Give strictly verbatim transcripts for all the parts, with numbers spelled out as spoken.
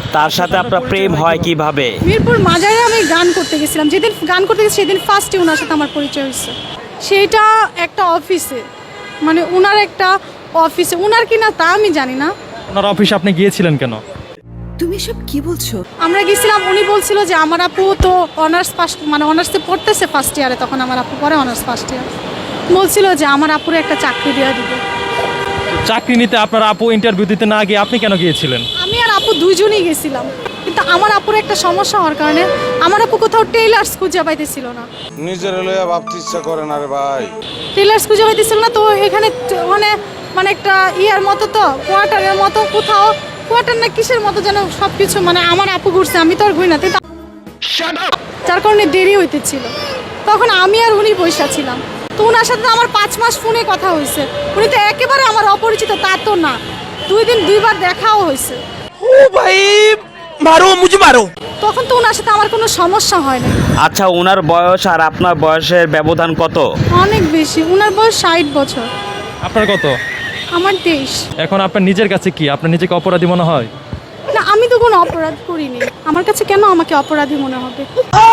তার সাথে আপনার প্রেম হয় কিভাবে? মিরপুর মাজারে আমি গান করতে গেছিলাম, যেদিন গান করতে গেছি সেদিন ফার্স্টে ওনার সাথে আমার পরিচয় হয়েছে। সেইটা একটা অফিসে, মানে ওনার একটা অফিসে, ওনার কিনা তা আমি জানি না। ওনার অফিসে আপনি গিয়েছিলেন কেন? তুমি সব কি বলছো? আমরা গেছিলাম, উনি বলছিল যে আমার আপু তো অনার্স ফার্স্ট মানে অনার্সে পড়তেছে ফার্স্ট ইয়ারে, তখন আমার আপু পরে অনার্স ফার্স্ট ইয়ার, বলছিল যে আমার আপুর একটা চাকরি দেওয়া দিবে। চাকরি নিতে আপনার আপু ইন্টারভিউ দিতে না গিয়ে আপনি কেন গিয়েছিলেন? আমি আর আপু দুইজনই গেছিলাম, কিন্তু আমার আপুর একটা সমস্যা হওয়ার কারণে আমার আপু কোথাও টেইলার্স খুঁজে পাইতেছিল না। নিজের লইয়া ভাবতে ইচ্ছা করে না রে ভাই। টেইলার্স খুঁজে পাইতেছিল না, তো এখানে মানে মানে একটা ইয়ার মতো, তো কোয়ার্টারের মতো, কোথাও কোয়ার্টার না কিসের মতো যেন সব কিছু, মানে আমার আপু ঘুরছে, আমি তো আর ঘুরি না, যার কারণে দেরি হইতেছিল। তখন আমি আর উনি বসে ছিলাম, তো ওনার সাথে আমার পাঁচ মাস ফোনে কথা হয়েছে। উনি তো একেবারে আমার অপরিচিত তা তো না, দুই দিন দুইবার দেখাও হয়েছে। ও ভাই মারো মুঝে মারো। তখন তো ওনার সাথে আমার কোনো সমস্যা হয় না। আচ্ছা, ওনার বয়স আর আপনার বয়সের ব্যবধান কত? অনেক বেশি, ওনার বয়স ষাট বছর, আপনার কত? আমার তেইশ। এখন আপনার নিজের কাছে কি আপনার নিজেকে অপরাধী মনে হয়? না, আমি তো কোনো অপরাধ করিনি, আমার কাছে কেন আমাকে অপরাধী মনে হবে?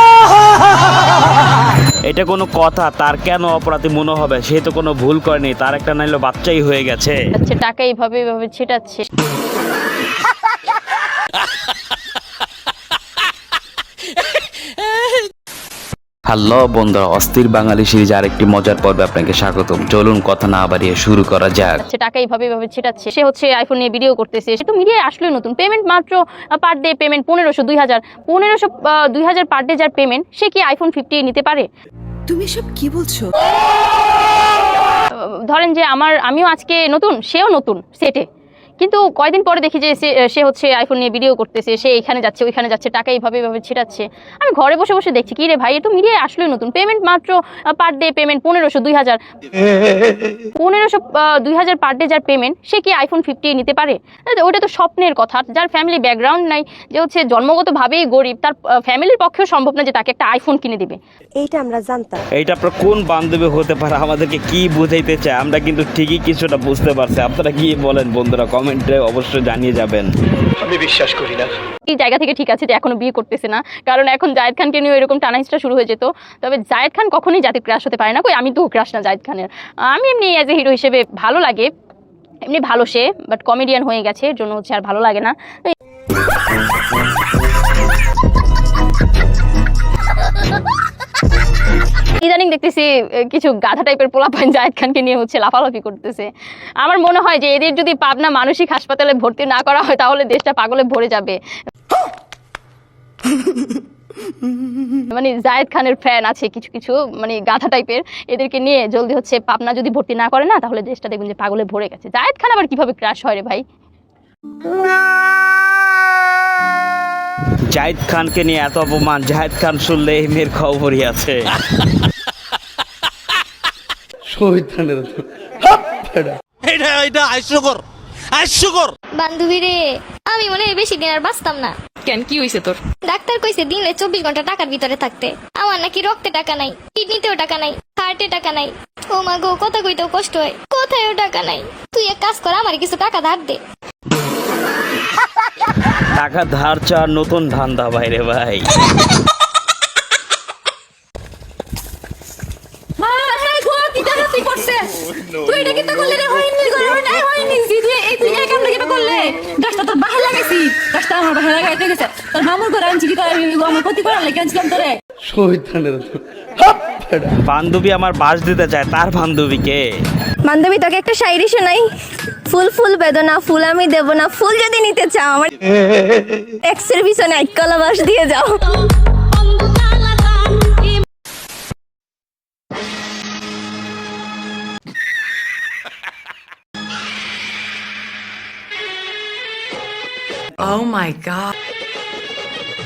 এটা কোনো কথা? তার কেন অপরাধী মনে হবে? সে তো কোনো ভুল করেনি, তার একটা নাইলো বাচ্চাই হয়ে গেছে। আচ্ছা, টাকা এইভাবে এইভাবে ছিটাচ্ছে। হ্যালো বন্ধুরা, অস্থির বাঙালি সিরিজ আরেকটি মজার পর্বে আপনাকে স্বাগতম। চলুন কথা না বাড়িয়ে শুরু করা যাক। আচ্ছা, টাকা এইভাবে এইভাবে ছিটাচ্ছে। সে হচ্ছে আইফোন নিয়ে ভিডিও করতেছে, সে তো মিডিয়ায় আসলে নতুন, পেমেন্ট মাত্র পার ডে পেমেন্ট পনেরোশো দুই হাজার পনেরোশো দুই হাজার পার ডে যার পেমেন্ট, সে কি আইফোন ফিফটি নিতে পারে? তুমি সব কি বলছো? ধরেন যে আমার আমিও আজকে নতুন, সেও নতুন সেটে, কিন্তু কয়দিন পরে দেখি যে সে হচ্ছে আইফোন নিয়ে ভিডিও করতেছে, সে এখানে যাচ্ছে ওইখানে যাচ্ছে, টাকা এইভাবে এইভাবে ছিটাচ্ছে। আমি ঘরে বসে বসে দেখছি, কি রে ভাই, এ তো মিডিয়ায় আসলে নতুন, পেমেন্ট মাত্র পার ডে পেমেন্ট পনেরোশো দুই হাজার পনেরোশো দুই হাজার পার ডে যার পেমেন্ট, সে কি আইফোন ফিফটি নিতে পারে? ওইটা তো স্বপ্নের কথা। যার ফ্যামিলি ব্যাকগ্রাউন্ড নাই, যে হচ্ছে জন্মগতভাবেই গরিব, তার ফ্যামিলির পক্ষেও সম্ভব না যে তাকে একটা আইফোন কিনে দিবে। এইটা আমরা জানতাম। এইটা আপনার কোন বান্ধবী হতে পারে? আমাদেরকে কি বুঝাইতে চায় আমরা কিন্তু ঠিকই কিছুটা বুঝতে পারছি। আপনারা কি বলেন বন্ধুরা? কমেন্টে অবশ্যই জানিয়ে যাবেন। আমি বিশ্বাস করি না। এই জায়গা থেকে ঠিক আছে যে এখনো বিয়ে করতেছে না, কারণ এখন জায়েদ খানকে নিয়ে এরকম টানাহিস্ট্রা শুরু হয়ে যেত। তবে জায়েদ খান কখনোই জাতির ক্রাশ হতে পারে না। কই, আমি তো ক্রাশ না জায়েদ খানের। আমি এমনি অ্যাজ এ হিরো হিসেবে ভালো লাগে, এমনি ভালো সে, বাট কমেডিয়ান হয়ে গেছে, এর জন্য হচ্ছে আর ভালো লাগে না। ইদানিং দেখতেছি কিছু গাধা টাইপের পোলাপান জায়েদ খানকে নিয়ে হচ্ছে লাফালাফি করতেছে। আমার মনে হয় যে এদের যদি পাবনা মানসিক হাসপাতালে ভর্তি না করা হয় তাহলে দেশটা পাগলে ভরে যাবে। মানে জায়েদ খানের ফ্যান আছে কিছু কিছু, মানে গাধা টাইপের, এদেরকে নিয়ে জলদি হচ্ছে পাবনা যদি ভর্তি না করে না তাহলে দেশটা দেখবেন যে পাগলে ভরে গেছে। জায়েদ খান আবার কিভাবে ক্রাশ হয় রে ভাই? জায়েদ খানকে নিয়ে এত অপমান, জায়েদ খান শুনলে এই মেয়ের খবরই আছে। এটা এটা হাস্যকর হাস্যকর। বান্ধবী রে, আমি মনে হয় বেশি দিন আর বাঁচতাম না। কেন, কি হয়েছে তোর? ডাক্তার কইছে দিনে চব্বিশ ঘন্টা টাকার ভিতরে থাকতে। আমার নাকি রক্তে টাকা নাই, কিডনিতেও টাকা নাই, হার্টে টাকা নাই। ও মা গো, কথা কইতেও কষ্ট হয়, কোথায়ও টাকা নাই। তুই এক কাজ কর, আমার কিছু টাকা ধার দে। টাকা ধার চার নতুন ধান্দা বাইরে ভাই। বান্ধবী আমার বাস দিতে চায়, তার বান্ধবীকে। বান্ধবী, তোকে একটা শায়রি শোনাই। ফুল ফুল বেদনা, ফুল আমি দেব না, ফুল যদি নিতে চাও আমার এক্সের পিছনে এক কলা বাস দিয়ে যাও। Oh my god.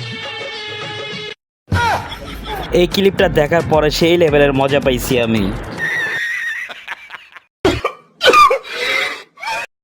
এই ক্লিপটা দেখার পরে সেই লেভেলের মজা পাইছি আমি।